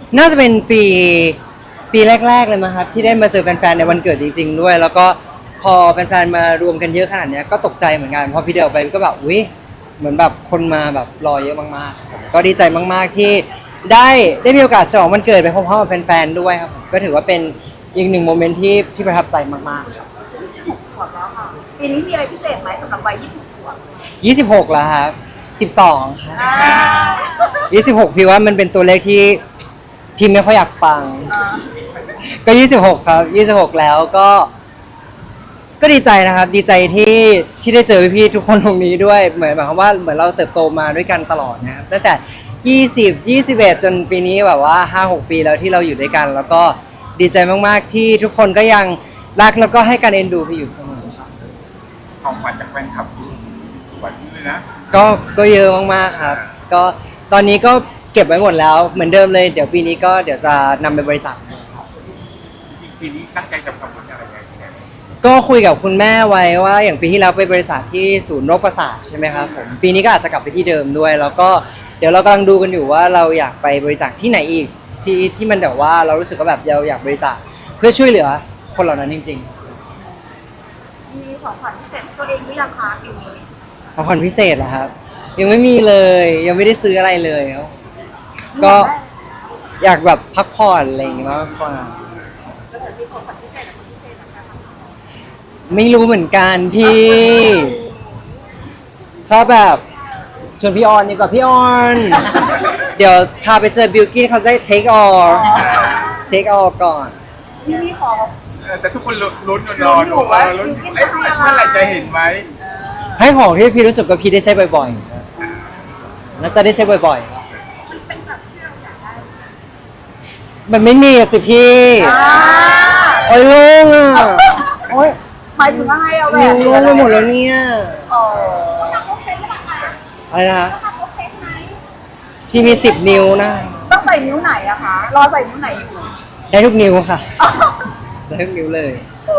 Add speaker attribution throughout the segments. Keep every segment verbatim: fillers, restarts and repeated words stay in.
Speaker 1: น่าจะเป็นปีปีแรกๆเลยมั้งครับที่ได้มาเจอแฟนๆในวันเกิดจริงๆด้วยแล้วก็พอแฟนๆมารวมกันเยอะขนาดเนี้ยก็ตกใจเหมือนกันพอพี่เดินไปก็แบบอุ้ยเหมือนแบบคนมาแบบรอเยอะมากๆผมก็ดีใจมากๆที่ได้ได้มีโอกาสฉลองวันเกิดไปพร้อมๆกับแฟนๆด้วยครับผมก็ถือว่าเป็นอีกหนึ่งโมเมนต์ที่ที่ประทับใจมากๆครับ
Speaker 2: ขวบแล้วค่ะปีนี้มีอะไรพิเศษไหมสำหรับวัยยี่สิบขวบ
Speaker 1: ยี่สิบหกแล้วครับสิบสองครับ
Speaker 2: อ่า
Speaker 1: ยี่สิบหกพี่ว่ามันเป็นตัวเลขที่พี่ไม่ค่อยอยากฟัง ก็ยี่สิบหกครับยี่สิบหกแล้วก็ก็ดีใจนะครับดีใจที่ที่ได้เจอพี่ๆทุกคนตรงนี้ด้วยเหมือนหมายความว่าเหมือนเราเติบโตมาด้วยกันตลอดนะครับตั้งแต่ยี่สิบ ยี่สิบเอ็ดจนปีนี้แบบว่า ห้าหก ปีแล้วที่เราอยู่ด้วยกัน แล้วก็ดีใจมากๆที่ทุกคนก็ยังรักแล้วก็ให้การเอ็นดูพี่อยู่เสมอครับ
Speaker 3: ของขวัญจากแฟนคลับสวยเลยนะ
Speaker 1: ก็ก็เยอะมากๆครับก็ตอนนี้ก็เก็บไว้หมดแล้วเหมือนเดิมเลยเดี๋ยวปีนี้ก็เดี๋ยวจะนำไปบริจาคครับ
Speaker 3: จริงๆปีนี้ตั้งใจจะทำบุญอะไรไงเนี่ย
Speaker 1: ก็คุยกับคุณแม่ไว้ว่าอย่างปีที่แล้วไปบริษัทที่ศูนย์โรคประสาทใช่ไหมครับผมปีนี้ก็อาจจะกลับไปที่เดิมด้วย แล้วก็เดี๋ยวเรากำลังดูกันอยู่ว่าเราอยากไปบริจาคที่ไหนอีกที่ที่มันแบบว่าเรารู้สึกว่าแบบเราอยากบริจาคเพื่อช่วยเหลือคนเหล่านั้นจริง
Speaker 2: มีของขวัญพิเศษให้ตัวเองหรือยังคะปีนี้
Speaker 1: ๆของขวัญพิเศษเหรอครับยังไม่มีเลยยังไม่ได้ซื้ออะไรเลยครับก็อยากแบบพักผ่อนอะไรอย่างเงี้ยมากกว่า
Speaker 2: แล้วมีของขวัญพิเศษกับคนพิเศษนะคะ
Speaker 1: ไม่รู้เหมือนกันพี่ ชอบแบบชวนพี่ออนดีกว่าพี่ออน เดี๋ยวพาไปเจอบิลกิ้นเขาจะ take all take all ก่อน
Speaker 2: พี่มีของ
Speaker 3: เออแต่ทุกคนลุ้นรอดูว่าลุ้นเอ๊ะเมื่อไหร่จะเห็นไหม
Speaker 1: ให้ของที่พี่รู้สึกว่าพี่ได้ใช้บ่อยๆน่าจะได้ใช้บ่อย
Speaker 2: มันเป็นสัตว์ที่เราอยากได้
Speaker 1: ๆ มันไม่มีอะสิพี่ โอ้ยลุงอ่ะโอ้ย
Speaker 2: หมายถึงว่าให้เอาแหว
Speaker 1: นิ้วน ลุงไปหมดแล้วเนี่ย
Speaker 2: อ๋อ
Speaker 1: อะไรนะพี่มีสิบนิ้วนะ
Speaker 2: ต้องใส่นิ้วไหนอะคะรอใส่นิ้วไหนอยู่
Speaker 1: ได้ทุกนิ้วค่ะ ได้ทุกนิ้วเลย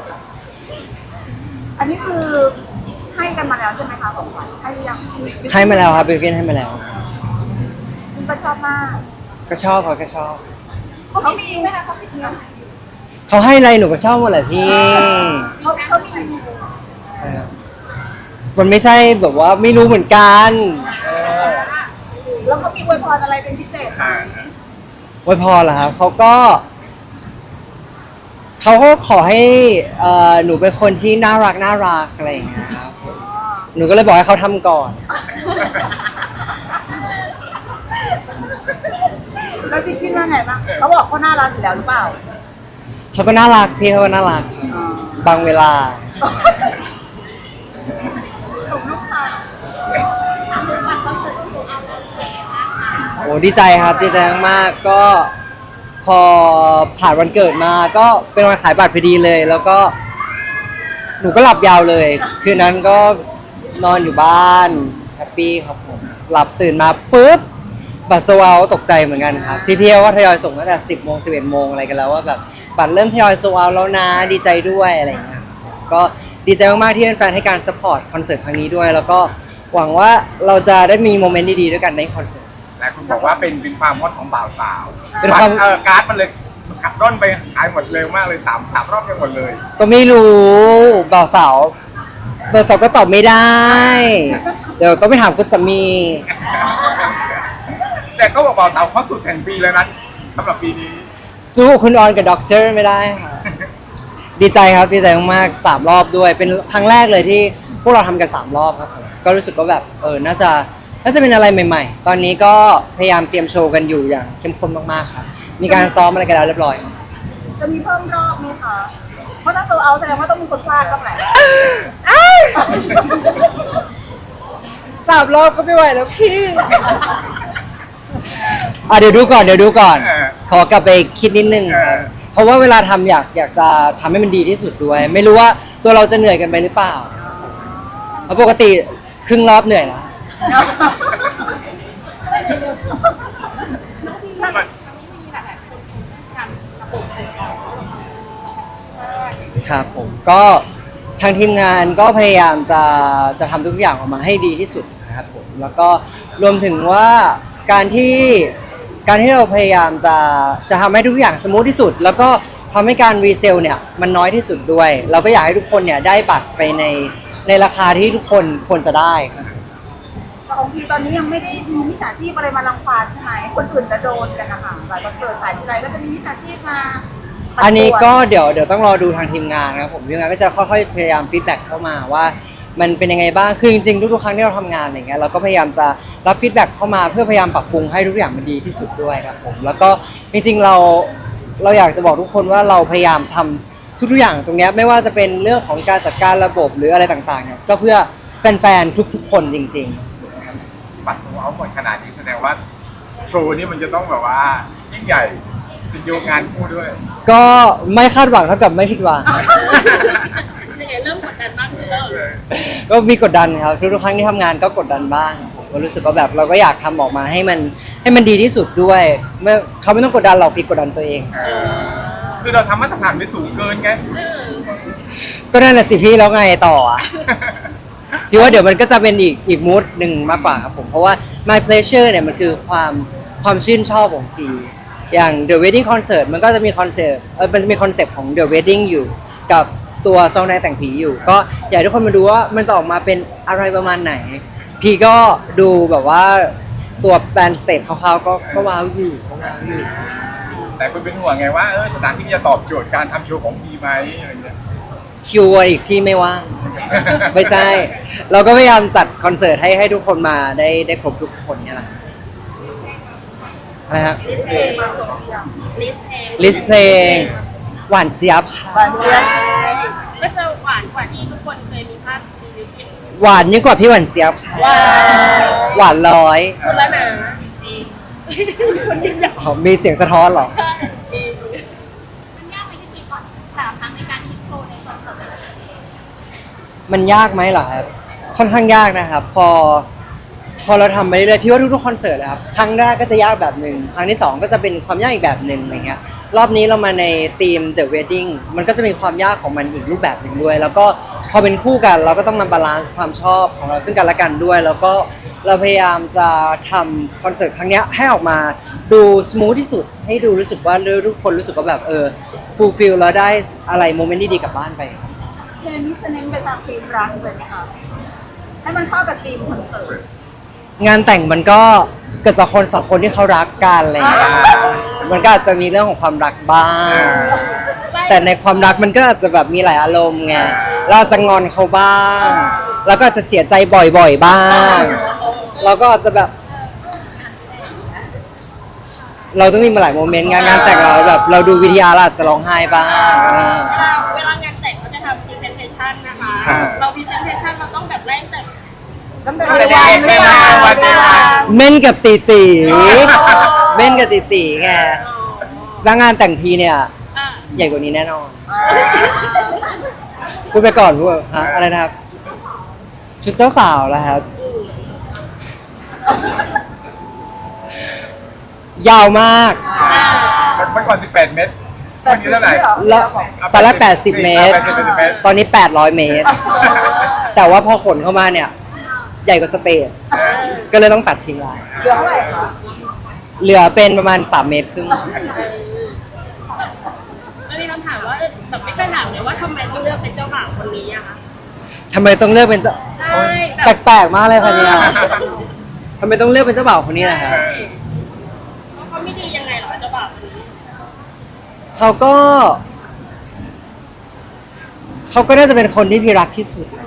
Speaker 2: อันนี้คือให้กันมาแล้วใช่ไหมคะของขวัญให้หรือยัง
Speaker 1: ให้มาแล้วครับบิลกิ้นให้มาแล้ว
Speaker 2: คุณก็ชอบมาก
Speaker 1: ก็ชอบเขาก็ชอบ
Speaker 2: เขามีไหมคะเขาสิบนิ้ว
Speaker 1: เขาให้อะไรหนูก็ชอบหมดแหละพี่
Speaker 2: เขาเขามี
Speaker 1: มันไม่ใช่แบบว่าไม่รู้เหมือนกันเออ
Speaker 2: แล้วเขามีอวยพรอะไรเป็นพิเศษไหม
Speaker 3: อ่า
Speaker 1: ไว้พอเหรอครับเขาก็เขาก็ขอให้เอ่อหนูเป็นคนที่น่ารักน่ารักอะไรอย่างเงี้ยครับหนูก็เลยบอกให้เขาทำก่อน
Speaker 2: แล้วพี่คิดว่าไงบ้างเขาบอกเขาน่ารักอยู่แล้วหรือเปล่า
Speaker 1: เขาก็น่ารักพี่เขาก็น่ารักบางเวลา
Speaker 2: ถูกลูกชาย
Speaker 1: โอ้ดีใจครับดีใจมากๆก็พอผ่านวันเกิดมาก็เป็นวันขายบัตรพอดีเลย แล้วก็หนูก็หลับยาวเลย คืนนั้นก็นอนอยู่บ้านแฮปปี้ครับผมหลับตื่นมาปุ๊บบัตรโซลเอาท์ตกใจเหมือนกันครับพี่ๆก็ทยอยส่งตั้งแต่สิบโมงสิบเอ็ดโมงอะไรกันแล้วว่าแบบบัตรเริ่มทยอยโซลเอาท์แล้วนะดีใจด้วยอะไรอย่างเงี้ยก็ดีใจมากๆที่แฟนๆให้การซัพพอร์ตคอนเสิร์ตครั้งนี้ด้วย แล้วก็หวังว่าเราจะได้มีโมเมนต์ดีๆด้วยกันในคอนเสิร์ต
Speaker 3: หลายคนบอกว่าเป็นเป็นความฮอตของบ่าวสาว
Speaker 1: เป็นความ
Speaker 3: เออการ์ดมันเลยขับร่อนไปหายหมดเร็วมากเลยสามสามรอบไปหมดเลย
Speaker 1: ก็ไม่รู้บ่าวสาวบ่าวสาวก็ตอบไม่ได้ เดี๋ยวต้องไปถามคุณสามี
Speaker 3: แต่เขาบอกบ่าวสาวเขาสุดแห่งปีแล้วนะสำหรับปีนี้
Speaker 1: สู้คุณออนกับด็อกเตอร์ไม่ได้ค่ะ ดีใจครับดีใจมากๆสามรอบด้วย เป็นครั้งแรกเลยที่พวกเราทำกันสามรอบครับผมก็รู้สึกว่าแบบเออน่าจะน่าจะเป็นอะไรใหม่ๆ ตอนนี้ก็พยายามเตรียมโชว์กันอยู่อย่างเข้มข้นมากๆครับมีการซ้อมอะไรกันแล้วเรียบร้อย
Speaker 2: จะมีเพิ่มรอบไหมคะเพราะถ้าโซลเอาท์แสดงว่าต้องมีคนพลาดบ้างแหละ
Speaker 1: สามรอบก็ไม่ไหวแล้วพี่ อ่ะเดี๋ยวดูก่อนเดี๋ยวดูก่อน
Speaker 3: เออ
Speaker 1: ขอกลับไปคิดนิดนึงครับ
Speaker 3: เออ
Speaker 1: เพราะว่าเวลาทำอยากอยากจะทำให้มันดีที่สุดด้วย ไม่รู้ว่าตัวเราจะเหนื่อยกันไปหรือเปล่าเพราะปกติครึ่งรอบเหนื่อยแล้วครับผมก็ทางทีมงานก็พยายามจะจะทำทุกอย่างออกมาให้ดีที่สุดนะครับผมแล้วก็รวมถึงว่าการที่การที่เราพยายามจะจะทำให้ทุกอย่างสมูทที่สุด แล้วก็ทำให้การรีเซลเนี่ยมันน้อยที่สุดด้วย เราก็อยากให้ทุกคนเนี่ยได้บัตรไปในในราคาที่ทุกคนควรจะได้ครับ
Speaker 2: แต่ของพี่ตอนนี้ยังไม่ได้มีมิจฉาชีพอะไรมารังควานใช่ไหมคนอื่นจะโดนกันนะคะหลายคอนเสิร์ตหลายทีไรก็จะมีมิจฉาชีพมา
Speaker 1: อันนี้ก็เดี๋ยวเดี๋ยวต้องรอดูทางทีมงานนะครับผมทีมงานก็จะค่อยๆพยายามฟีดแบ็กเข้ามาว่ามันเป็นยังไงบ้างคือจริงๆทุกๆครั้งที่เราทำงานอย่างเงี้ยเราก็พยายามจะรับฟีดแบ็กเข้ามาเพื่อพยายามปรับปรุงให้ทุกอย่างมันดีที่สุดด้วยครับผมแล้วก็จริงๆเราเราอยากจะบอกทุกคนว่าเราพยายามทำทุกๆอย่างตรงเนี้ยไม่ว่าจะเป็นเรื่องของการจัดการระบบหรืออะไรต่างๆเนี่ยก็เพื่อแฟนๆทุกๆคนจริงๆ
Speaker 3: บัตรโซเอาหมดขนาดนี้แสดงว่าโชว์นี้มันจะต้องแบบว่ายิ่งใหญ่เป็นโยงงานคู่ด้วย
Speaker 1: ก็ไม่คาดหวังเท่ากับไม่ผิดหวัง
Speaker 2: ยังไงเริ่มกดดันมากขึ้นแล้ว
Speaker 1: ก็มีกดดันครับทุกๆครั้งที่ทำงานก็กดดันบ้างผมก็รู้สึกว่าแบบเราก็อยากทำออกมาให้มันให้มันดีที่สุดด้วยไม่เขาไม่ต้องกดดันเราพี่กดดันตัวเอง
Speaker 3: เออคือเราทำมาตรฐานไปสูงเกินไง
Speaker 1: ก็นั่นแหละสิพี่แล้วไงต่ออ่ะ พี่ว่าเดี๋ยวมันก็จะเป็นอีกอีกมูดหนึ่งมากกว่าครับผมเพราะว่า my pleasure เนี่ยมันคือความความชื่นชอบของพี่อย่าง the wedding concert มันก็จะมีคอนเซปต์เออมันจะมีคอนเซปต์ของ the wedding อยู่กับตัวซองในแต่งผีอยู่ ก็อยากให้ทุกคนมาดูว่ามันจะออกมาเป็นอะไรประมาณไหน พี่ก็ดูแบบว่าตัวแบนสเตจคร่าวๆก็ก็ว้าวอยู่ก็ว้าวอยู่
Speaker 3: แต่คุณเป็นห่วงไงว่าเออสถานที่จะตอบโจทย์การทำโชว์ของพีไหมอะไรเงี้ย
Speaker 1: คิวอีกที่ไม่ว่าง ไม่ใช่ เราก็พยายามจัดคอนเสิร์ตให้ให้ทุกคนมาได้ได้ครบทุกคนเนี่ยแหละอะไรครับ
Speaker 2: ลิสเพลงมาตัวเดียวลิสเพลง
Speaker 1: ลิสเพลงหวานเจี๊ยบค่ะ
Speaker 2: บานเรียน
Speaker 4: ก็จะหวานกว่าที่ทุกคนเคยมีภาพรีวิวเห็น
Speaker 1: หวานยิ่งกว่าพี่หวานเจี๊ยบค่ะ
Speaker 4: ว้าว
Speaker 1: หวานร้อย
Speaker 4: คนละหนาจริงคนยิ่งใหญ่
Speaker 1: อ๋อมีเสียงสะท้อนเหรอ
Speaker 4: ใช่
Speaker 5: มันยากไหมที่มีก่อนแต่ละครั้งในการคิดโชว์ในคอนเสิร์ตแต่ละครั้ง
Speaker 1: มันยากไหมเหรอครับค่อนข้างยากนะครับ พอ พอเราทำไปเรื่อยๆพี่ว่าทุกๆคอนเสิร์ตนะครับครั้งแรกก็จะยากแบบหนึ่งครั้งที่สองก็จะเป็นความยากอีกแบบหนึ่งอะไรเงี้ยรอบนี้เรามาในธีม The Wedding มันก็จะมีความยากของมันอีกรูปแบบหนึ่งด้วย แล้วก็พอเป็นคู่กันเราก็ต้องมาบาลานซ์ความชอบของเราซึ่งกันและกันด้วย แล้วก็เราพยายามจะทำคอนเสิร์ตครั้งเนี้ยให้ออกมาดูสมูทที่สุดให้ดูรู้สึกว่าทุกคนรู้สึกว่าแบบเออฟูลฟิลแล้วได้อะไรโมเมนต์ดีๆกลับบ้านไปครับ
Speaker 2: เพลงนี้จะเน้นไปทางธีมรักเลยไหมคะให้มันเข้ากับธีมคอนเสิร์ต
Speaker 1: งานแต่งมันก็เกิดจากคนสองคนที่เขารักกันอะไรอย่างเงี้ยมันก็อาจจะมีเรื่องของความรักบ้าง แต่ในความรักมันก็อาจจะแบบมีหลายอารมณ์ไง เราอาจจะงอนเขาบ้าง แล้วก็อาจจะเสียใจบ่อยๆบ้าง เราก็อาจจะแบบ เราต้องมีมาหลายโมเมนต์งานงานแต่งเราแบบ เราดูวิทยาเราอาจจะร้องไห้บ้างเออ
Speaker 4: เวลาเวลางานแต่งเขาจะทำพรีเซนเทชันนะคะ
Speaker 3: ครับ
Speaker 4: เราพรีเซนเทชันเราต้องแบบไล่แต่
Speaker 2: ตั้งแต่
Speaker 3: ตั้งแต่เด็กๆเลยนะวันเด็กอะ
Speaker 1: เม่นกับตีตีเม่นกับตีตีไงแล้วงานแต่งพีเนี่ย
Speaker 4: อ่า
Speaker 1: ใหญ่กว่านี้แน่นอน พูดไปก่อนพูดฮะอะไรนะครับ ชุดเจ้าสาวแล้วครับ ยาวมาก
Speaker 3: เมื่อก่อนสิบแปดเมตรวันนี้เท่าไหร่
Speaker 1: แล้วตอนแรกแปดสิบเมตร
Speaker 3: แปดสิบเมตร
Speaker 1: ตอนนี้แปดร้อยเมตร แต่ว่าพอขนเข้ามาเนี่ย ใหญ่กว่าสเตจก็เลยต้องตัดทิ้งไว้
Speaker 2: เหลือเท่าไหร่คะ
Speaker 1: เหลือเป็นประมาณสามเมตรครึ่ง
Speaker 4: มันมีคำถามว่าเออแบบไม่เคยถามเลยว่าทำไมต้องเลือกเป็นเจ้าบ่าวคนนี้อะคะ
Speaker 1: ทำไมต้องเลือกเป็นเจ้า
Speaker 4: ใช่แบบ
Speaker 1: แปลกๆมากเลยค่ะเนี่ยทำไมต้องเลือกเป็นเจ้าบ่าวคนนี้ล่ะครับ
Speaker 4: เพราะเขาไม่ดียังไงเหรอเจ้าบ่าวคนนี้
Speaker 1: เขาก็ เขาก็น่าจะเป็นคนที่พี่รักที่สุด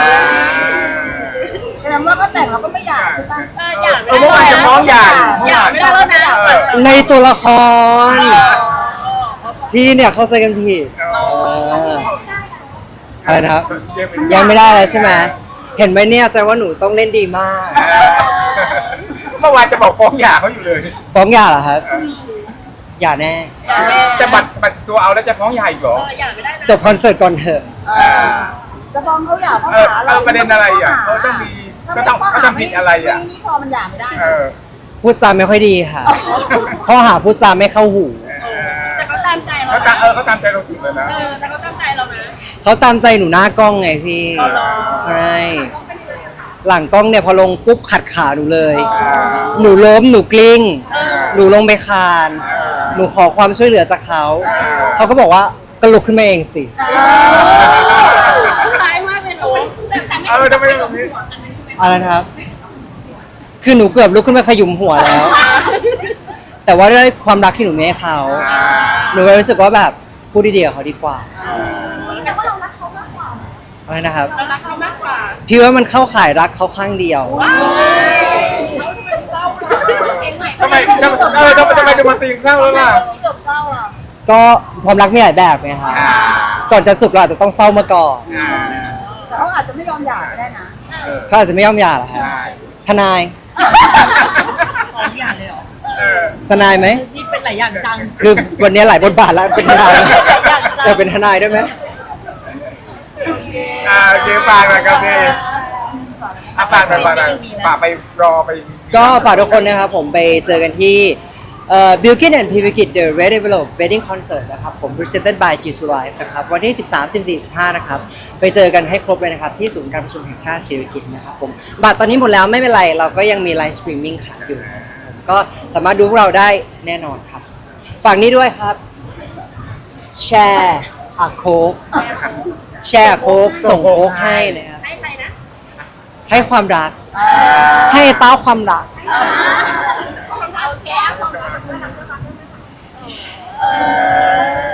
Speaker 2: แสดงว่าก็แต่งแล้วก็ไม่อยากใช่ปะ
Speaker 4: เอออยาก
Speaker 3: เออเมื่อวานจะฟ้องหย่า
Speaker 4: อยากไม่ได้แล้วนะ
Speaker 3: เออ
Speaker 1: ในตัวละคร พี่เนี่ยเข้าใจกันผิดเอออะไรนะครับ ยังไม่ได้เลยใช่ไหมเห็นไหมเนี่ยแสดงว่าหนูต้องเล่นดีมาก
Speaker 3: เมื่อวานจะบอกฟ้องหย่าเขาอยู่เลย
Speaker 1: ฟ้องหย่าเหรอครับหย่าแน่
Speaker 3: จะบัตรบัตรตัวเอาแล้วจะฟ้องหย่าอีกเหรอ
Speaker 4: เอออยากไม่ได้นะ
Speaker 1: จบคอนเสิร์ตก่อนเถอะ
Speaker 2: เออจะฟ้องเขาอยากเขา
Speaker 3: เออ
Speaker 2: หา
Speaker 3: เอ
Speaker 2: เรา
Speaker 3: อประเด็นอะไรอ่ะเขาต้องมีก็ต้องก็ต้องผิดอะไรอ่ะ
Speaker 2: นี่นี่พอมันหย่าไม่ได้
Speaker 3: เออ
Speaker 1: พูดจาไม่ค่อยดีค่ะ ข้อหาพูดจาไม่เข้าหู
Speaker 4: แต่เขาตามใจเรา
Speaker 3: เขาตาม
Speaker 4: นะ
Speaker 3: เออเขาตามใจเราสุดเลยนะ
Speaker 4: เออแต่เขาตามใจเรานะ
Speaker 1: เขาตามใจหนูหน้ากล้องไงพี่
Speaker 4: อ๋อเหรอ
Speaker 1: ใช่ หลังกล้องเนี่ยพอลงปุ๊บขัดขาหนูเลย หนูล้มหนูกลิ้ง
Speaker 4: เออ
Speaker 1: หนูลงไปคาน หนูขอความช่วยเหลือจากเขา เขาก็บอกว่าก็ลุกขึ้นมาเองสิ
Speaker 4: ร้ายมากเลยเนาะ
Speaker 5: แต่ไม่
Speaker 3: เออทำไมแบบนี้
Speaker 5: อันนั้นใช่ไหม
Speaker 1: อะไรนะครับ คือหนูเกือบลุกขึ้นมาขยุมหัวแล้ว แต่ว่าด้วยความรักที่หนูมีให้เขา หนูก็รู้สึกว่าแบบพูดดีๆกับเขาดีกว่า
Speaker 5: แต่ว่าเรารักเขามากกว่า
Speaker 1: อะไรนะครับ
Speaker 4: เรารักเขามากกว่า
Speaker 1: พี่ว่ามันเข้าข่ายรักเขาข้างเดียว
Speaker 5: เองใหม่
Speaker 3: ทำไมทำไมเออทำไมทำไมดูมันตีนเศร้าแล้วล่ะ
Speaker 2: จบเศร้าอ่ะ
Speaker 1: ก็ความรักมีหลายแบบไงครับ
Speaker 3: อ่า
Speaker 1: ก่อนจะสุขเราอาจจะต้องเศร้ามาก่อน
Speaker 3: อ่า
Speaker 2: แต่เขาอาจจะไม่ยอมหย่าก็ได้นะ
Speaker 3: เออ
Speaker 1: เขาอาจจะไม่ยอมหย่าหรอกครับ
Speaker 3: ใช่
Speaker 1: ทนาย
Speaker 6: ของอย่างเลยเหรอ
Speaker 3: เออ
Speaker 1: ทนายไหม
Speaker 6: นี่เป็นหลายอย่างจัง
Speaker 1: คือวันนี้หลายบทบาทแล้วเป็นทนายจะเป็นทนายได้ไหม
Speaker 3: อ่าโอเคฝากหน่อยครับพี่อ่ะฝากหน่อยฝากหน่อยฝากไปรอไป
Speaker 1: ก็ฝากทุกคนนะครับผมไปเจอกันที่เอ่อ Bilkin and p i v i k i t The Red Develop Wedding Concert นะครับผม Presented by Jisoo Life นะครับวันที่ สิบสาม สิบสี่ สิบห้า นะครับ ไปเจอกันให้ครบเลยนะครับ ที่ศูนย์การประชุมแห่งชาติศิริกิติ์นะครับผมบัตรตอนนี้หมดแล้วไม่เป็นไร เราก็ยังมีไลฟ์สตรีมมิ่งขายอยู่นะครับผมก็สามารถดูพวกเราได้แน่นอนครับ ฝากนี้ด้วยครับ แชร์อะโคกแชร์อะโคกส่งโคกให้นะครับ
Speaker 4: ให้ใครนะ
Speaker 1: ให้ความรัก ให้เต้าความรัก
Speaker 5: โอเคเอาของเราไปทำด้วยกัน